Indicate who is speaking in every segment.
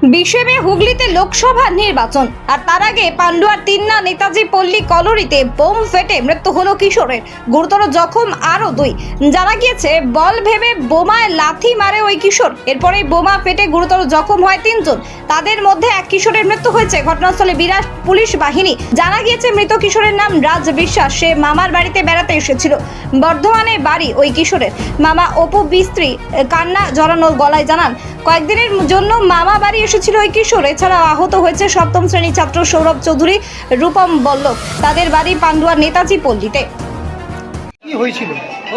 Speaker 1: বিষেবে হুগলিতে লোকসভা নির্বাচন আর তার আগে পান্ডুয়ার তিন্না নেতাজি পল্লী কলোনিতে বোম ফেটে মৃত্যু হলো কিশোরের, গুরুতর জখম আরো দুই। জানা গিয়েছে বল ভেবে বোমায় লাথি মারে ওই কিশোর, এরপরেই বোমা ফেটে গুরুতর জখম হয় তিনজন। তাদের মধ্যে এক কিশোরের মৃত্যু হয়েছে। ঘটনাস্থলে বিরাট পুলিশ বাহিনী। জানা গিয়েছে মৃত কিশোরের নাম রাজ বিশ্বাস। সে মামার বাড়িতে বেড়াতে এসেছিল। বর্ধমানে বাড়ি ওই কিশোরের। মামা অপু বিস্ত্রী কান্না জড়ানো গলায় জানান, কয়েকদিনের জন্য মামা বাড়ি এসেছিল ওই কিশোর। এছাড়াও আহত হয়েছে সপ্তম শ্রেণীর ছাত্র সৌরভ চৌধুরী, রূপম বল্লভ। তাদের বাড়ি পান্ডুয়ার নেতাজি পল্লীতে।
Speaker 2: কি হয়েছিল?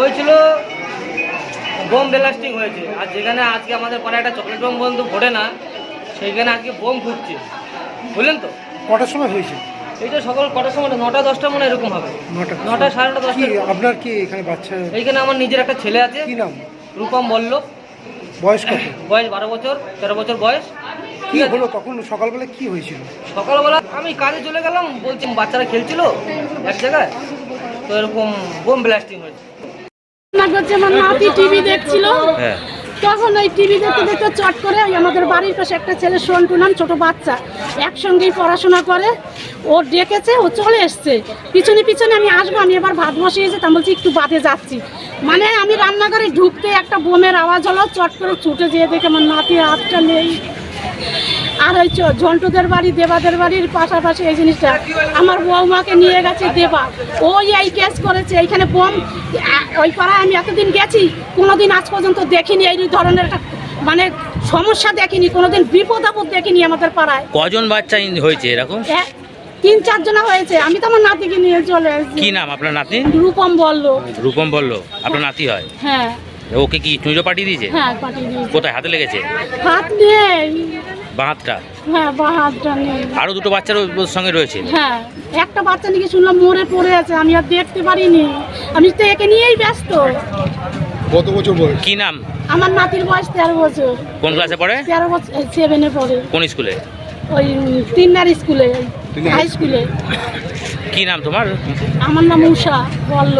Speaker 3: বোম ব্লাস্টিং হয়েছে। আর যেখানে আজকে আমাদের পরে একটা চকলেট বোম বন্ধু ফোটে না, সেইখানে আজকে বোম ফুটছে, বুঝলেন তো?
Speaker 2: কটার সময় হয়েছে?
Speaker 3: এইটা সকাল কটার সময়, 9টা 10টা মনে এরকম হবে। 9টা 9:30 10টা।
Speaker 2: আপনার কি এখানে বাচ্চা?
Speaker 3: এইখানে আমার নিজের একটা ছেলে আছে।
Speaker 2: কি নাম?
Speaker 3: রূপম বল্লভ।
Speaker 2: বয়স কত?
Speaker 3: বয়স 12 বছর, 13 বছর বয়স।
Speaker 2: কি হলো তখন সকালবেলা, কি হয়েছিল?
Speaker 3: সকালবেলা আমি কাজে চলে গেলাম, বলছি বাচ্চারা খেলছিল এক জায়গায়, তো এরকম বোম ব্লাস্টিং হয়েছে।
Speaker 4: আমার নাতি টিভি দেখছিল, তখন ওই টিভি দেখতে দেখতে চট করে আমাদের বাড়ির পাশে একটা ছেলে সন্টু নাম, ছোট বাচ্চা, একসঙ্গেই পড়াশোনা করে, ও ডেকেছে, ও চলে এসছে পিছনে পিছনে। আমি আসবো, আমি এবার ভাত বসিয়েছি, তা বলছি একটু বাদে যাচ্ছি। মানে আমি রান্নাঘরে ঢুকতে একটা বোমের আওয়াজ হলো, চট করে ছুটে যেয়ে দেখে আমার নাতির হাতটা নেই। আর ওই ঝন্টুদের বাড়ি, দেবাদের বাড়ির পাশাপাশি এই জিনিসটা আমার বৌমাকে নিয়ে গেছে দেবা, ওই এই কেস করেছে। এইখানে বোম ওই পাড়ায় আমি এতদিন গেছি, কোনোদিন আজ পর্যন্ত দেখিনি এই ধরনের একটা মানে সমস্যা, দেখিনি কোনোদিন, বিপদ আপদ দেখিনি আমাদের পাড়ায়।
Speaker 5: কজন বাচ্চা হয়েছে এরকম?
Speaker 4: 3-4 জনা হয়েছে। আমি তো আমার নাতিকে নিয়ে চলে এসেছি।
Speaker 5: কি নাম আপনার নাতি?
Speaker 4: রূপম বললো।
Speaker 5: রূপম বললো আপনার নাতি হয়?
Speaker 4: হ্যাঁ।
Speaker 5: ওকে কি চুঁজো পাঠিয়ে দিয়েছে?
Speaker 4: হ্যাঁ, পাঠিয়ে দিয়েছে।
Speaker 5: কোথায় হাতে লেগেছে?
Speaker 4: হাত নেই।
Speaker 5: বাঁ হাতটা?
Speaker 4: হ্যাঁ, বাঁ হাতটা নেই।
Speaker 5: আরো দুটো বাচ্চার ওর সঙ্গে রয়েছে?
Speaker 4: হ্যাঁ, একটা বাচ্চা নাকি শুনলাম মরে পড়ে আছে, আমি আর দেখতে পারিনি, আমি তো একে নিয়েই ব্যস্ত।
Speaker 2: কত বছর বয়স?
Speaker 5: কি নাম?
Speaker 4: আমার নাতির বয়স 13 বছর।
Speaker 5: কোন ক্লাসে পড়ে?
Speaker 4: 13 বছর, 7-এ পড়ে।
Speaker 5: কোন স্কুলে?
Speaker 4: ওই তিন্নার স্কুলে, হাই স্কুলে।
Speaker 5: কি নাম তোমার?
Speaker 4: আমার নাম উষা বললো।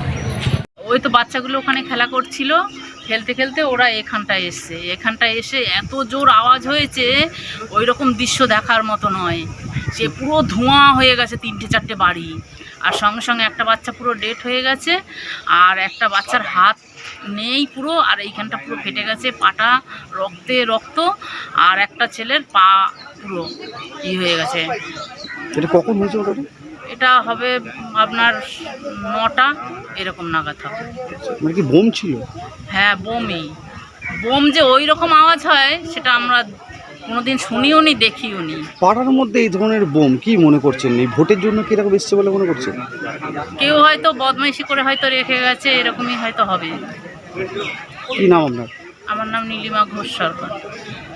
Speaker 6: ওই তো বাচ্চাগুলো ওখানে খেলা করছিল, খেলতে খেলতে ওরা এখানটায় এসে এত জোর আওয়াজ হয়েছে, ওই রকম দৃশ্য দেখার মতো নয়। সে পুরো ধোঁয়া হয়ে গেছে 3-4টে বাড়ি, আর সঙ্গে সঙ্গে একটা বাচ্চা পুরো ডেড হয়ে গেছে, আর একটা বাচ্চার হাত নেই পুরো, আর এইখানটা পুরো ফেটে গেছে, পাটা রক্তে রক্ত, আর একটা ছেলের পা পুরো হয়ে গেছে।
Speaker 2: এটা কখন হয়েছে? ওটা
Speaker 6: এটা হবে আপনার 9টা এরকম নাগাদ হবে।
Speaker 2: মানে কি বোম ছিল?
Speaker 6: হ্যাঁ, বোম যে ওই রকম আওয়াজ হয় সেটা আমরা কোনোদিন শুনিও নি, দেখিও নি।
Speaker 2: পাড়ার মধ্যে এই ধরনের বোম কি মনে করছেন? এই ভোটের জন্য কি এরকম এসছে বলে মনে করছেন?
Speaker 6: কেউ হয়তো বদমাইশি করে হয়তো রেখে গেছে, এরকমই হয়তো হবে।
Speaker 2: কি নাম আপনার?
Speaker 6: আমার নাম নীলিমা ঘোষ সরকার।